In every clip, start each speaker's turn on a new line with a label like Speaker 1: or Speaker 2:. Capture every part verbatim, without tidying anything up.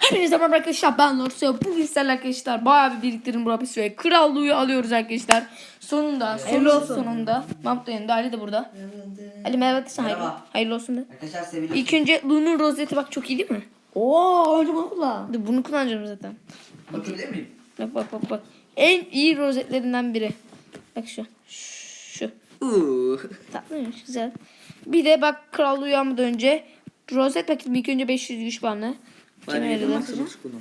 Speaker 1: Hepinize merhaba arkadaşlar, ben Lorsa. Bugün sizlerle arkadaşlar bayağı bir biriktirin burası ve krallığı alıyoruz arkadaşlar. Sonunda, sonunda,
Speaker 2: olsun.
Speaker 1: sonunda. Mahmut da yanında, Ali de burada. Ali merhaba desene, hayırlı,
Speaker 2: Merhaba.
Speaker 1: hayırlı olsun da.
Speaker 2: Arkadaşlar seviyorum.
Speaker 1: İlk önce Lu'nun rozeti bak, çok iyi değil mi?
Speaker 3: Oo, önce bunu kullan.
Speaker 1: Dur, bunu kullanacağım zaten.
Speaker 2: Bakabilir miyim?
Speaker 1: Bak bak bak bak. En iyi rozetlerinden biri. Bak şu. Şu.
Speaker 2: Uuu.
Speaker 1: Tatlıymış, güzel. Bir de bak, krallığı uyanmadan önce rozet paketim ilk önce beş yüz güç puanlı. Kime
Speaker 2: Ben
Speaker 1: verelim?
Speaker 2: Max'ı kullan.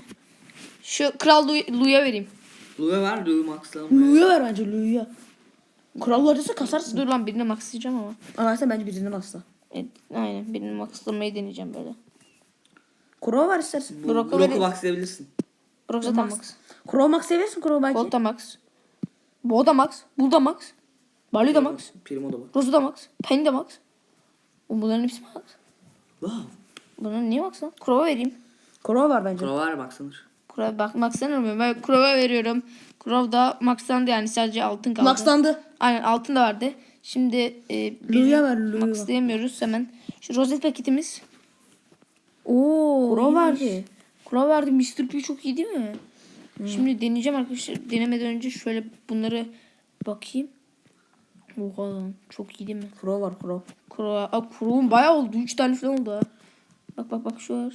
Speaker 1: Şu kral Lu- Lu'ya vereyim.
Speaker 2: Lu'ya ver, Lu'yu Max'la.
Speaker 3: Lu'ya ver bence Lu'ya. Kral acısı kasarsın.
Speaker 1: Dur lan, birini maxlayacağım ama.
Speaker 3: Ama sen bence birini maxla.
Speaker 1: Evet, aynen birini maxlamayı deneyeceğim böyle.
Speaker 3: Kuro var istersen.
Speaker 2: Bu
Speaker 1: Brock'u
Speaker 2: Brock'u
Speaker 1: verin.
Speaker 2: Max'layabilirsin.
Speaker 1: Brock zaten max.
Speaker 3: Kuro max seviyorsun Kuro belki.
Speaker 1: Bolt da max. Bo da max. Bul da max. Barley da max.
Speaker 2: Primo da var.
Speaker 1: Rozu da max. Penny de max. O, bunların hepsi max.
Speaker 2: Wow.
Speaker 1: Bunların niye max lan? Crow'a vereyim.
Speaker 3: Kuro var bence.
Speaker 2: Pro var Max'lanır.
Speaker 1: Crow'a bak, maxlanır ben Crow'a veriyorum. Crow da maxlandı, yani sadece altın kaldı.
Speaker 3: Maxlandı.
Speaker 1: Aynen, altın da vardı. Şimdi e,
Speaker 3: Lu'ya ver, Lu'ya.
Speaker 1: maxlayamıyoruz hemen. Şu rozet paketimiz. Oo.
Speaker 3: Kuro
Speaker 1: iyiymiş.
Speaker 3: verdi.
Speaker 1: Kuro verdi. mister P çok iyi değil mi? Şimdi deneyeceğim arkadaşlar. Denemeden önce şöyle bunları bakayım. Oha lan, çok iyi değil mi?
Speaker 3: Kuro var Kuro.
Speaker 1: Kuro. Aa, Kuro'nun bayağı oldu. üç tane falan oldu ha. Bak bak bak, şu var.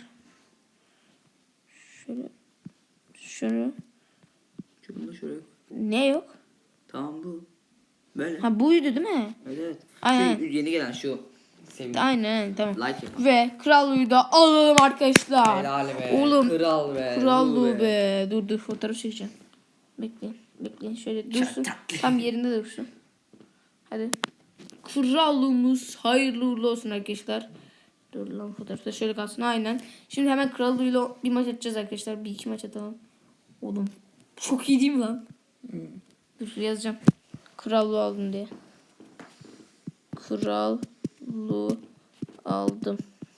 Speaker 1: Şöyle. Şöyle.
Speaker 2: Şunu da şöyle.
Speaker 1: Ne yok?
Speaker 2: Tamam bu. Böyle.
Speaker 1: Ha, buydu değil mi?
Speaker 2: Evet evet.
Speaker 1: Aynen.
Speaker 2: Şu yeni gelen şu. Sevgili.
Speaker 1: Aynen, tamam.
Speaker 2: Like yapalım.
Speaker 1: Ve krallığı da alalım arkadaşlar.
Speaker 2: Helal be.
Speaker 1: Oğlum.
Speaker 2: Kral be.
Speaker 1: Krallığı
Speaker 2: Lu
Speaker 1: be. Dur dur, fotoğraf çekeceğim. Bekleyin. Bekleyin. Şöyle dursun.
Speaker 2: tatlı.
Speaker 1: Tam yerinde dursun. Hadi. Krallığımız hayırlı uğurlu olsun arkadaşlar. Dur lan, fotoğrafta şöyle kalsın. Aynen. Şimdi hemen krallığıyla bir maç atacağız arkadaşlar. Bir iki maç atalım. Oğlum. Çok iyi değil mi lan? Dur, yazacağım. Krallığı aldım diye. Krallığı aldım.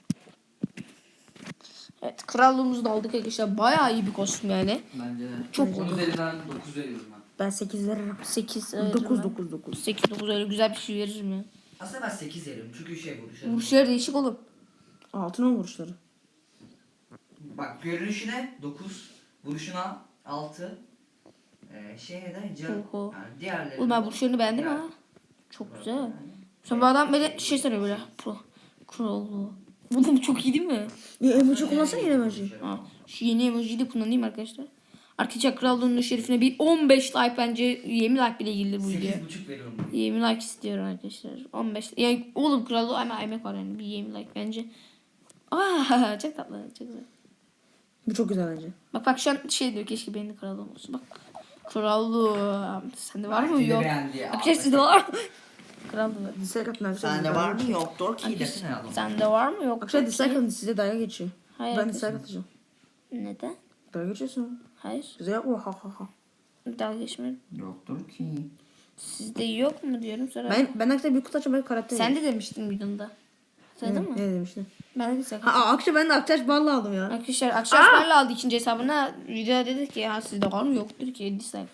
Speaker 1: Evet, krallığımızı da aldık arkadaşlar. Bayağı iyi bir kostüm yani.
Speaker 2: Bence de.
Speaker 1: Çok
Speaker 2: on üzerinden dokuz veriyorum ben.
Speaker 3: Ben sekiz veririm.
Speaker 1: sekiz.
Speaker 3: dokuz dokuz dokuz.
Speaker 1: sekiz dokuz, öyle güzel bir şey veririm ya.
Speaker 2: Aslında ben sekiz veriyorum çünkü şey vuruşu.
Speaker 1: Vuruşları değişik oğlum.
Speaker 3: Altın on vuruşları.
Speaker 2: Bak görünüşüne dokuz, vuruşuna altı. Ee, şeye de can.
Speaker 1: Oho.
Speaker 2: Yani diğerleri.
Speaker 1: Oğlum, ben vuruşlarını beğendim ha. Çok güzel. Sonra bu adam böyle şey sanıyor böyle. Pro. Krallığı. Oğlum çok iyi değil mi?
Speaker 3: Ya emoji kullansana yine emoji.
Speaker 1: Ha, şu yeni emojiyi de kullanayım arkadaşlar. Arkadaşlar krallığının şerifine bir on beş like, bence yirmi like bile gelir bu video.
Speaker 2: sekiz buçuk veriyorum.
Speaker 1: yirmi like istiyorum arkadaşlar. on beş. Yani oğlum, krallığı ama emek var yani. Bir yirmi like bence. Aa, çok tatlı. Çok güzel.
Speaker 3: Bu çok güzel bence.
Speaker 1: Bak bak, şu an şey diyor, keşke benim de krallığım olsun. Bak. Krallığı. Sende var mı?
Speaker 2: Belki de
Speaker 1: Yok.
Speaker 2: beğendi ya.
Speaker 1: Arkadaşlar sizde var mı? Krallığı.
Speaker 3: Dislike atın arkadaşlar.
Speaker 2: Sende var mı yoktur ki desene adam.
Speaker 1: Sende var mı? Yok.
Speaker 3: Arkadaşlar dislike atın, size dalga geçiyor.
Speaker 1: Hayır.
Speaker 3: Ben
Speaker 1: arkadaşlar.
Speaker 3: dislike atacağım.
Speaker 1: Neden?
Speaker 3: Dalga geçiyorsun.
Speaker 1: Hayır.
Speaker 3: Size yapma ha ha ha.
Speaker 1: Dalga geçmiyorum.
Speaker 2: Yoktur ki.
Speaker 1: Sizde yok mu diyorum sonra.
Speaker 3: Ben ben arkadaşlar bir kutu açacağım, böyle karakter.
Speaker 1: Sen de demiştin videonda. Söyledin mi?
Speaker 3: Ne demiştin?
Speaker 1: Ben de bir sakın.
Speaker 3: Ha akşam ben de aktaş balla aldım ya.
Speaker 1: Arkadaşlar Akşaşlar'la aldı ikinci hesabına. Videoda dedi ki ya sizde var mı, yoktur ki dislike.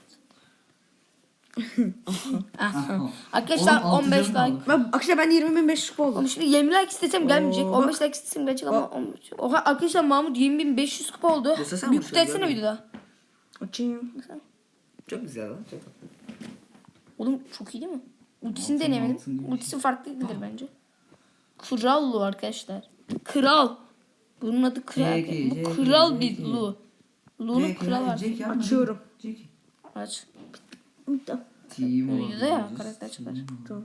Speaker 1: Aha. Arkadaşlar
Speaker 2: Oğlum,
Speaker 1: on beş
Speaker 2: altı canım
Speaker 1: like.
Speaker 3: Ben akşam ben yirmi bin beş yüz kupa
Speaker 1: Ama
Speaker 3: oldum.
Speaker 1: şimdi yirmi like istesem gelmeyecek.
Speaker 3: Oo,
Speaker 1: on beş
Speaker 3: bak.
Speaker 1: like istesem gelecek ama on beş. Oha arkadaşlar, Mahmut yirmi bin beş yüz kupa oldu.
Speaker 2: Desene
Speaker 1: Bir
Speaker 2: bu
Speaker 1: kutu
Speaker 2: şey,
Speaker 1: etsene
Speaker 2: görmedim.
Speaker 1: videoda.
Speaker 3: Açayım.
Speaker 2: Çok güzel lan. Çok tatlı.
Speaker 1: Oğlum çok iyi değil mi? Ultisini
Speaker 2: Altın,
Speaker 1: deneyemedim.
Speaker 2: altın değil.
Speaker 1: Ultisi farklıdır bence. Kral Lu arkadaşlar. Kral. Bunun adı kral.
Speaker 2: Jackie,
Speaker 1: Bu
Speaker 2: Jackie,
Speaker 1: kral
Speaker 2: Jackie.
Speaker 1: bir Lu. Lu'nun kralı var.
Speaker 3: Açıyorum.
Speaker 1: Aç.
Speaker 2: Timo.
Speaker 1: Videoda ya karakter çıkar.
Speaker 3: Tamam.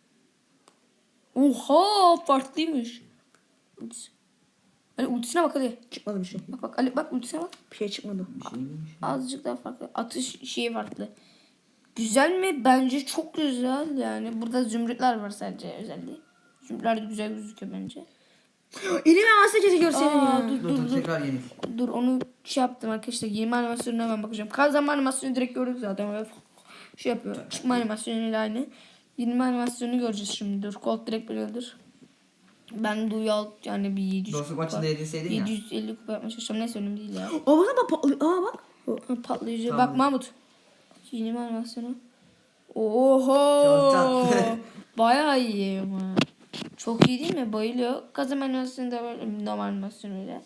Speaker 1: Oha, farklıymış. Ultisi. Ali ultisine bak hadi.
Speaker 3: Çıkmadı bir şey.
Speaker 1: Bak bak Ali, bak ultisine bak.
Speaker 3: Bir şey çıkmadı.
Speaker 1: Azıcık daha farklı. Atış şeyi farklı. Güzel mi? Bence çok güzel yani. Burada zümrütler var sadece özelliği. Zümrütler de güzel gözüküyor bence.
Speaker 3: Elime masajı görseydin
Speaker 1: Aa,
Speaker 3: ya.
Speaker 1: dur
Speaker 2: Dur
Speaker 1: dur
Speaker 2: dur
Speaker 1: dur.
Speaker 2: tekrar yenil.
Speaker 1: Dur, onu şey yaptım arkadaşlar. Yirmi animasyonuna hemen bakacağım. Kazanma animasyonu direkt gördük zaten. Böyle şey yapıyor. Çıkma animasyonuyla aynı. yirmi animasyonu göreceğiz şimdi. Dur. Colt direkt böyledir. Ben Duyal yani bir yedi yüz
Speaker 2: Dostluk
Speaker 1: kupa.
Speaker 2: maçında yedinseydin ya.
Speaker 1: yedi yüz elli kupa yapmaya çalışacağım. Neyse, önemli değil ya.
Speaker 3: Aa bak bak patlıyor. Aa bak.
Speaker 1: Ha, patlayıcı.
Speaker 2: Tamam.
Speaker 1: Bak Mahmut. Yeni animasyonu. Oho.
Speaker 2: Çok tatlı.
Speaker 1: Bayağı iyi ama. Çok iyi değil mi? Bayılıyor. Kazım animasyonu da böyle normal animasyon öyle.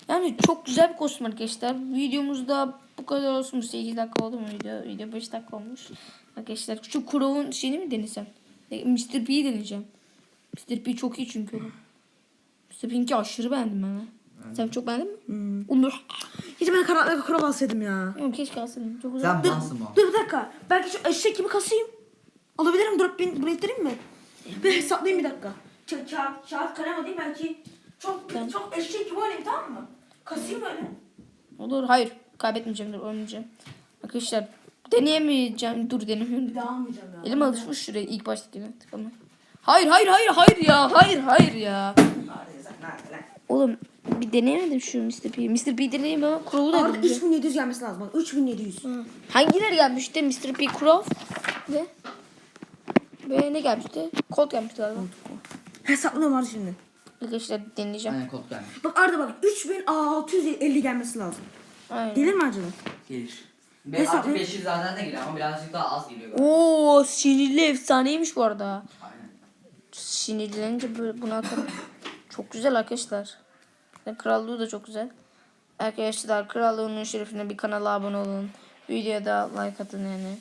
Speaker 1: Yani çok güzel bir kostüm arkadaşlar. Videomuzda bu kadar olsun. sekiz dakika oldu mu video? Video beş dakika olmuş. Arkadaşlar şu Crow'un şeyini mi denesem? E, mister P'yi deneyeceğim. mister P çok iyi çünkü. mister P'inki aşırı beğendim ben. Ha. Sen çok beğendin mi?
Speaker 3: Hmm.
Speaker 1: Onur.
Speaker 3: Hiç ben karanlıkta kral alsaydım ya.
Speaker 1: Yok keşke alsaydım. Çok güzel.
Speaker 2: Sen
Speaker 3: Dur,
Speaker 2: malsın mal.
Speaker 3: dur bir dakika. Belki şu eşek gibi kasayım. Alabilirim. Drop bin buraya ittireyim mi? Bir hesaplayayım bir dakika. Ka kağıt, kağıt kalem alayım belki. Çok
Speaker 1: Tamam.
Speaker 3: çok eşek gibi oynayayım tamam mı? Kasayım böyle.
Speaker 1: Olur. Hayır. Kaybetmeyeceğim. Dur oynayacağım. Arkadaşlar deneyemeyeceğim. Dur denemiyorum.
Speaker 3: Bir daha almayacağım ya.
Speaker 1: Elim alışmış şuraya ilk baştakine tıkama. Hayır hayır hayır hayır ya. Hayır hayır ya. Oğlum bir deneyemedim şu mister P'yi. mister P deneyeyim ama Crow'u da
Speaker 3: Arada
Speaker 1: deneyeceğim.
Speaker 3: üç bin yedi yüz gelmesi lazım. Bak üç bin yedi yüz.
Speaker 1: Hangileri gelmişti? mister P Crow ve ve ne gelmişti? Colt gelmişti galiba.
Speaker 3: Hesaplıyorum var şimdi.
Speaker 1: Arkadaşlar deneyeceğim.
Speaker 2: Aynen kod gelmiş.
Speaker 3: Bak Arda bak üç bin altı yüz elli gelmesi lazım.
Speaker 1: Aynen.
Speaker 3: Gelir mi acaba?
Speaker 2: Gelir.
Speaker 3: Ne
Speaker 2: Be,
Speaker 3: sandın?
Speaker 2: artık beş yüz zaten de geliyor ama birazcık daha az geliyor galiba.
Speaker 1: Oo, sinirli efsaneymiş bu arada.
Speaker 2: Aynen.
Speaker 1: Sinirlenince böyle bunu atarım. Çok güzel arkadaşlar. Yani krallığı da çok güzel. Arkadaşlar krallığının şerefine bir kanala abone olun. Videoya da like atın yani.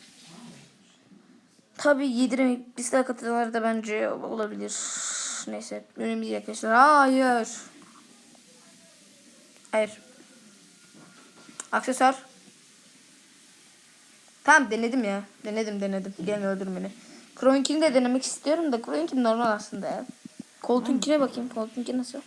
Speaker 1: Tabii yediremek dislike atanlar da bence olabilir. Neyse önemli değil arkadaşlar. Hayır. Hayır. Aksesuar. Tamam denedim ya. Denedim denedim. Gelme öldür beni. Crow'unkini de denemek istiyorum da Crow'unki normal aslında ya. Colt'unkine bakayım. Colt'unki nasıl?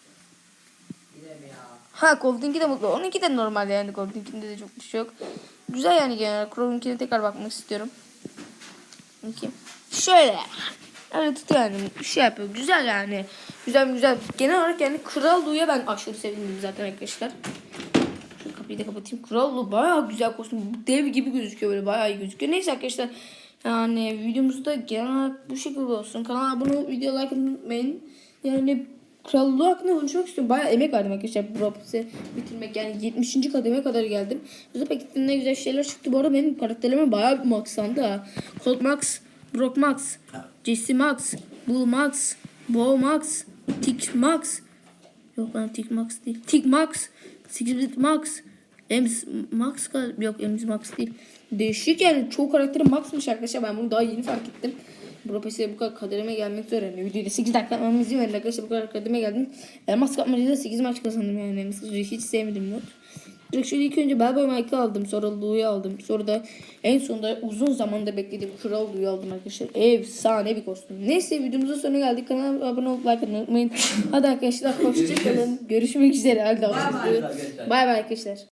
Speaker 1: Ha Colt'unki de mutlu. Onunki de normal yani. Colt'unkinde de çok bir şey yok. Güzel yani genel. Crow'unkine tekrar bakmak istiyorum. Bakayım. Şöyle. Öyle tutuyor yani. Bir şey yapıyor. Güzel yani. Güzel güzel. Genel olarak yani Kral Lu'ya ben aşırı sevindim zaten arkadaşlar. Şu kapıyı da kapatayım. Kral Lu bayağı güzel kostüm. Dev gibi gözüküyor böyle. Bayağı iyi gözüküyor. Neyse arkadaşlar. Yani videomuzda genel olarak bu şekilde olsun. Kanala abone olup video like atmayı unutmayın. Yani Kral Lu hakkında konuşmak istiyorum. Bayağı emek verdim arkadaşlar. Bu rapisi bitirmek yani yetmişinci kademe kadar geldim. Güzel paketinde ne güzel şeyler çıktı. Bu arada benim karakterime bayağı bir maxlandı ha. Colt Max, Brock Max, Jesse Max, Bull Max, Bo Max, Tick Max. Yok lan Tick Max değil. Tick Max, Six-Bit Max, Ems Max galiba. Yok Ems Max değil. Değişik yani çoğu karakteri Max'mış arkadaşlar. Ben bunu daha yeni fark ettim. Bu P bu kadar kademe gelmek üzere. Yani videoda sekiz dakika yapmamı izin verin arkadaşlar. Bu kadar kademe geldim. Elmas kapmacada sekiz maç kazandım yani. Mesela hiç sevmedim yok. Direkt şöyle ilk önce Bellboy Mike'ı aldım. Sonra Lou'yu aldım. Sonra da en sonunda uzun zamanda beklediğim Kral Lou'yu aldım arkadaşlar. Efsane bir kostüm. Neyse videomuzun sonuna geldik. Kanala abone olup like atmayı unutmayın. Hadi arkadaşlar hoşçakalın. Görüşmek üzere. Hadi
Speaker 2: Bay bay arkadaşlar.
Speaker 1: Bay bay arkadaşlar.